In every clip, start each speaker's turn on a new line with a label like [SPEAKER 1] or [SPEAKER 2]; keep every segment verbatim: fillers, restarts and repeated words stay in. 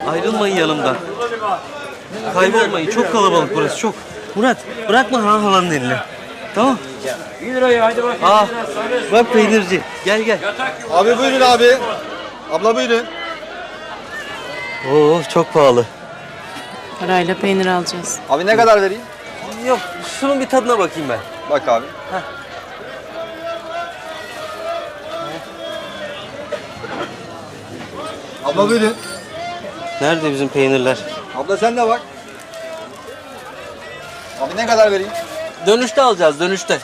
[SPEAKER 1] Ayrılmayın yanımdan. Kaybolmayın. Çok kalabalık burası, çok. Murat, bırakma ha halanın eline. Tamam.
[SPEAKER 2] Bir lirayı hadi bakayım.
[SPEAKER 1] Aa, bak peynirci. Gel gel.
[SPEAKER 3] Abi buyurun abi. Abla buyurun.
[SPEAKER 1] Oo, çok pahalı.
[SPEAKER 4] Parayla peynir alacağız.
[SPEAKER 3] Abi ne kadar vereyim?
[SPEAKER 1] Yok, şunun bir tadına bakayım ben.
[SPEAKER 3] Bak abi.
[SPEAKER 1] Heh.
[SPEAKER 3] Abla buyurun.
[SPEAKER 1] Nerede bizim peynirler?
[SPEAKER 3] Abla sen de bak. Abi ne kadar vereyim?
[SPEAKER 1] Dönüşte alacağız, dönüşte.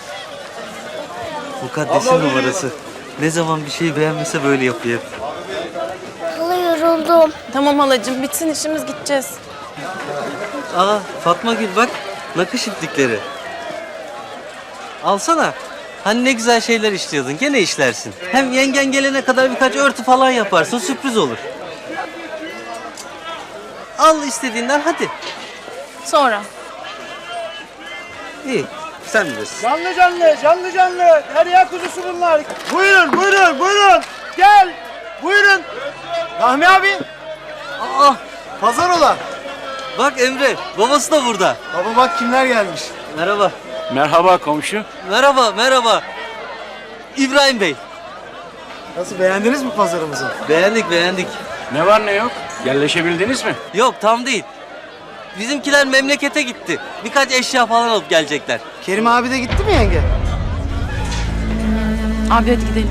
[SPEAKER 1] Mukaddesin numarası. Ne zaman bir şeyi beğenmese böyle yapıyor.
[SPEAKER 5] Hala yoruldum.
[SPEAKER 4] Tamam halacığım, bitsin işimiz, gideceğiz.
[SPEAKER 1] Aa, Fatma Gül bak, nakış iplikleri. Alsana. Hani ne güzel şeyler işliyordun, gene işlersin. Hem yengen gelene kadar birkaç örtü falan yaparsın, sürpriz olur. Al istediğinden, hadi.
[SPEAKER 4] Sonra.
[SPEAKER 1] İyi, sen bilirsin.
[SPEAKER 6] Canlı canlı, canlı canlı. Derya kuzusu bunlar. Buyurun, buyurun, buyurun. Gel. Buyurun. Rahmi abi.
[SPEAKER 1] Aa,
[SPEAKER 6] Pazar ola.
[SPEAKER 1] bak Emre, babası da burada.
[SPEAKER 6] Baba bak kimler gelmiş.
[SPEAKER 1] Merhaba.
[SPEAKER 2] Merhaba komşu.
[SPEAKER 1] Merhaba, merhaba. İbrahim Bey.
[SPEAKER 6] Nasıl, beğendiniz mi pazarımızı?
[SPEAKER 1] Beğendik, beğendik.
[SPEAKER 2] Ne var ne yok? Yerleşebildiniz mi?
[SPEAKER 1] Yok, tam değil. Bizimkiler memlekete gitti. Birkaç eşya falan alıp gelecekler.
[SPEAKER 6] Kerim abi de gitti mi yenge?
[SPEAKER 4] Abi hadi gidelim.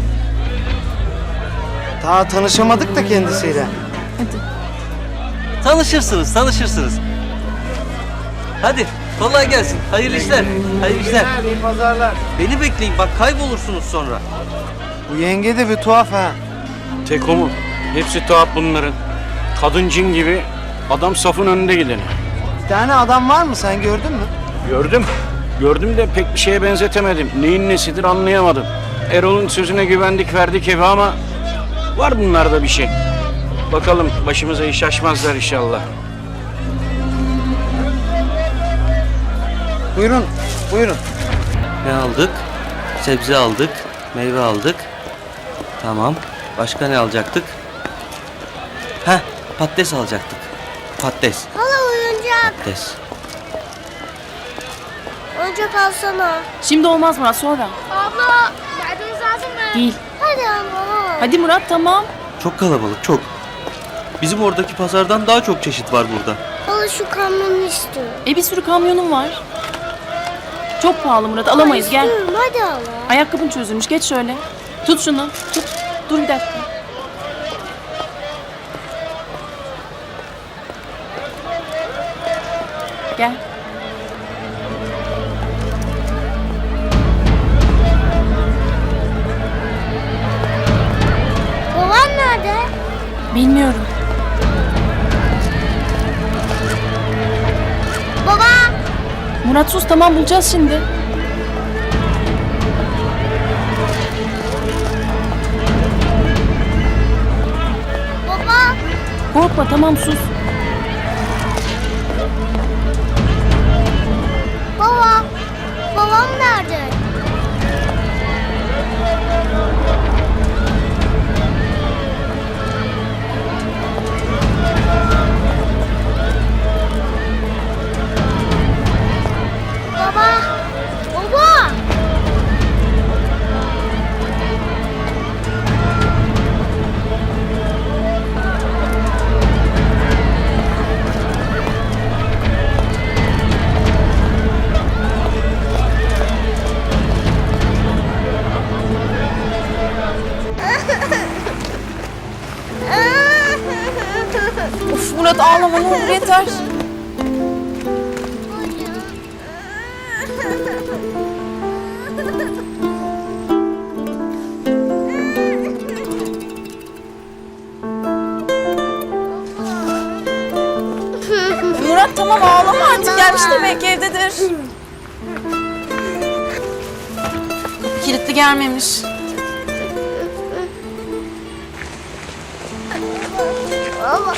[SPEAKER 6] Daha tanışamadık da kendisiyle.
[SPEAKER 4] Hadi.
[SPEAKER 1] Tanışırsınız, tanışırsınız. Hadi, kolay gelsin. Hayırlı işler, hayırlı işler.
[SPEAKER 6] İyi pazarlar.
[SPEAKER 1] Beni bekleyin, bak kaybolursunuz sonra.
[SPEAKER 6] Bu yenge de bir tuhaf ha.
[SPEAKER 2] Tek o mu? Hepsi tuhaf bunların. Kadın cin gibi, adam safın önünde gideni.
[SPEAKER 6] Bir tane adam var mı, sen gördün mü?
[SPEAKER 2] Gördüm. Gördüm de pek bir şeye benzetemedim. Neyin nesidir anlayamadım. Erol'un sözüne güvendik verdik evi ama var bunlarda bir şey. Bakalım başımıza iş açmazlar inşallah.
[SPEAKER 6] Buyurun, buyurun.
[SPEAKER 1] Ne aldık? Sebze aldık, meyve aldık. Tamam. Başka ne alacaktık? Heh, patates alacaktık. Patates,
[SPEAKER 5] Hala oyuncak.
[SPEAKER 1] patates.
[SPEAKER 5] Oyuncak alsana.
[SPEAKER 4] Şimdi olmaz Murat, sonra.
[SPEAKER 5] Abla, yardımcı lazım mı?
[SPEAKER 4] Değil.
[SPEAKER 5] Hadi abla.
[SPEAKER 4] Hadi Murat, tamam.
[SPEAKER 1] Çok kalabalık, çok. Bizim oradaki pazardan daha çok çeşit var burada.
[SPEAKER 5] Hala şu kamyonu istiyorum.
[SPEAKER 4] E bir sürü kamyonum var. Çok pahalı Murat, alamayız, gel.
[SPEAKER 5] İstiyorum, hadi hala.
[SPEAKER 4] Ayakkabın çözülmüş, geç şöyle. Tut şunu, tut. Dur bir dakika. Gel.
[SPEAKER 5] Babam nerede?
[SPEAKER 4] Bilmiyorum.
[SPEAKER 5] Baba.
[SPEAKER 4] Murat sus, tamam, bulacağız şimdi.
[SPEAKER 5] Baba.
[SPEAKER 4] Korkma, tamam, sus.
[SPEAKER 5] Baba. Babam nerede? Baba. Baba.
[SPEAKER 4] Of Murat, ağlama, ne olur, yeter. Murat tamam, ağlama artık, gelmiştir belki, evdedir. Kilitli, gelmemiş.
[SPEAKER 5] Baba.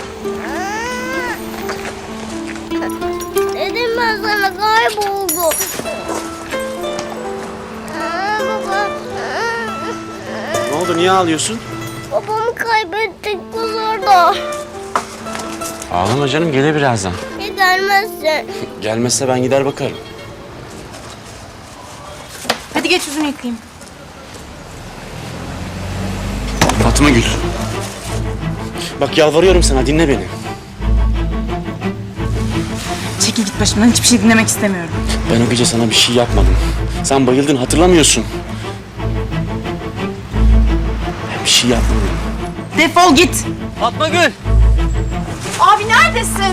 [SPEAKER 5] Dedim ben sana, kayboldu. Aa, baba.
[SPEAKER 6] Ne oldu, niye ağlıyorsun?
[SPEAKER 5] Babamı kaybettik pazarda.
[SPEAKER 7] Ağlama canım, gelir birazdan.
[SPEAKER 5] Ya gelmezse?
[SPEAKER 7] Gelmezse ben gider bakarım.
[SPEAKER 4] Hadi geç yüzünü yıkayayım.
[SPEAKER 7] Fatma Gül. Bak yalvarıyorum sana, dinle beni.
[SPEAKER 4] Çekil git başımdan, hiçbir şey dinlemek istemiyorum.
[SPEAKER 7] Ben o gece sana bir şey yapmadım. Sen bayıldın, hatırlamıyorsun. Ben bir şey yapmadım.
[SPEAKER 4] Defol git.
[SPEAKER 1] Fatma Gül!
[SPEAKER 4] Abi neredesin?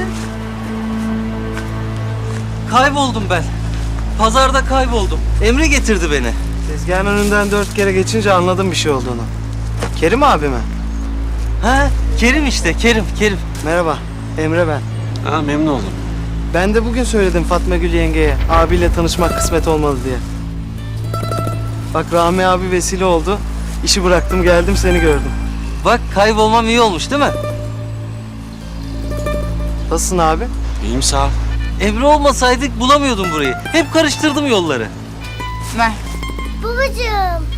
[SPEAKER 1] Kayboldum ben. Pazarda kayboldum. Emre getirdi beni.
[SPEAKER 6] Tezgahın önünden dört kere geçince anladım bir şey olduğunu. Kerim abi mi?
[SPEAKER 1] Ha, Kerim işte, Kerim, Kerim.
[SPEAKER 6] Merhaba, Emre ben.
[SPEAKER 7] Ha, memnun oldum.
[SPEAKER 6] Ben de bugün söyledim Fatma Gül yengeye, abiyle tanışmak kısmet olmalı diye. Bak Rahmi abi vesile oldu. İşi bıraktım geldim seni gördüm.
[SPEAKER 1] Bak kaybolmam iyi olmuş değil mi?
[SPEAKER 6] Nasılsın abi?
[SPEAKER 7] İyiyim, sağ ol.
[SPEAKER 1] Emre olmasaydık bulamıyordum burayı. Hep karıştırdım yolları.
[SPEAKER 4] Ver.
[SPEAKER 5] Babacığım.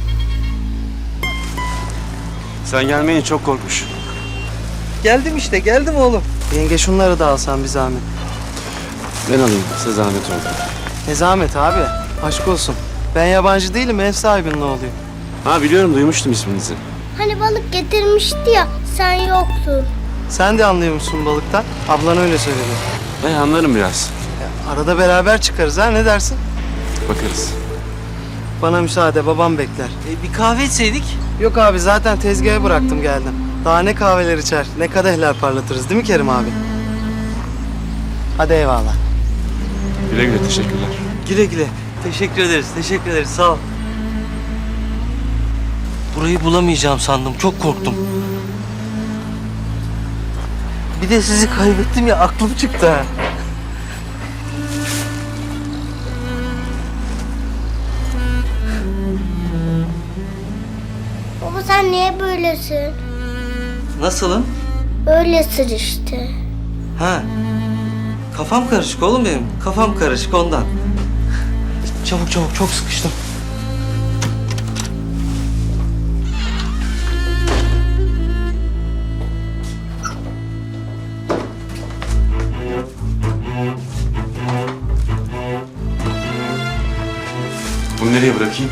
[SPEAKER 7] Sen gelmeyince çok korkmuş.
[SPEAKER 1] Geldim işte, geldim oğlum.
[SPEAKER 6] Yenge şunları da alsan bir zahmet.
[SPEAKER 7] Ben alayım, size zahmet oldu.
[SPEAKER 6] Ne zahmet abi, aşk olsun. Ben yabancı değilim, ev sahibinin oğluyum.
[SPEAKER 7] Ha biliyorum, duymuştum isminizi.
[SPEAKER 5] Hani balık getirmişti ya, sen yoktun.
[SPEAKER 6] Sen de anlıyor musun balıktan? Ablan öyle söyledi.
[SPEAKER 7] Ben anlarım biraz.
[SPEAKER 6] Ya, arada beraber çıkarız ha, ne dersin?
[SPEAKER 7] Bakarız.
[SPEAKER 6] Bana müsaade, babam bekler.
[SPEAKER 1] E, bir kahve içseydik.
[SPEAKER 6] Yok abi, zaten tezgaha bıraktım geldim. Daha ne kahveler içer, ne kadehler parlatırız değil mi Kerim abi? Hadi eyvallah.
[SPEAKER 7] Güle güle, teşekkürler.
[SPEAKER 1] Güle güle. Teşekkür ederiz, teşekkür ederiz. Sağ ol. Burayı bulamayacağım sandım. Çok korktum. Bir de sizi kaybettim ya, aklım çıktı ha.
[SPEAKER 5] Baba sen niye böylesin?
[SPEAKER 1] Nasılım?
[SPEAKER 5] Öylesin işte.
[SPEAKER 1] Ha. Kafam karışık oğlum benim. Kafam karışık ondan. Çabuk çabuk, çok sıkıştım.
[SPEAKER 7] Bunu nereye bırakayım?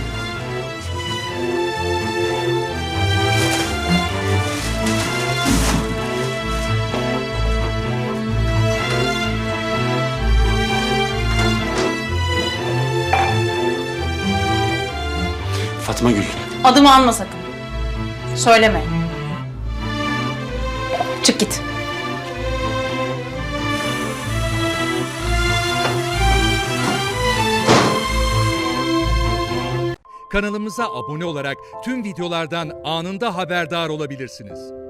[SPEAKER 7] Fatma Gül.
[SPEAKER 4] Adımı anma sakın. Söyleme. Çık git.
[SPEAKER 8] Kanalımıza abone olarak tüm videolardan anında haberdar olabilirsiniz.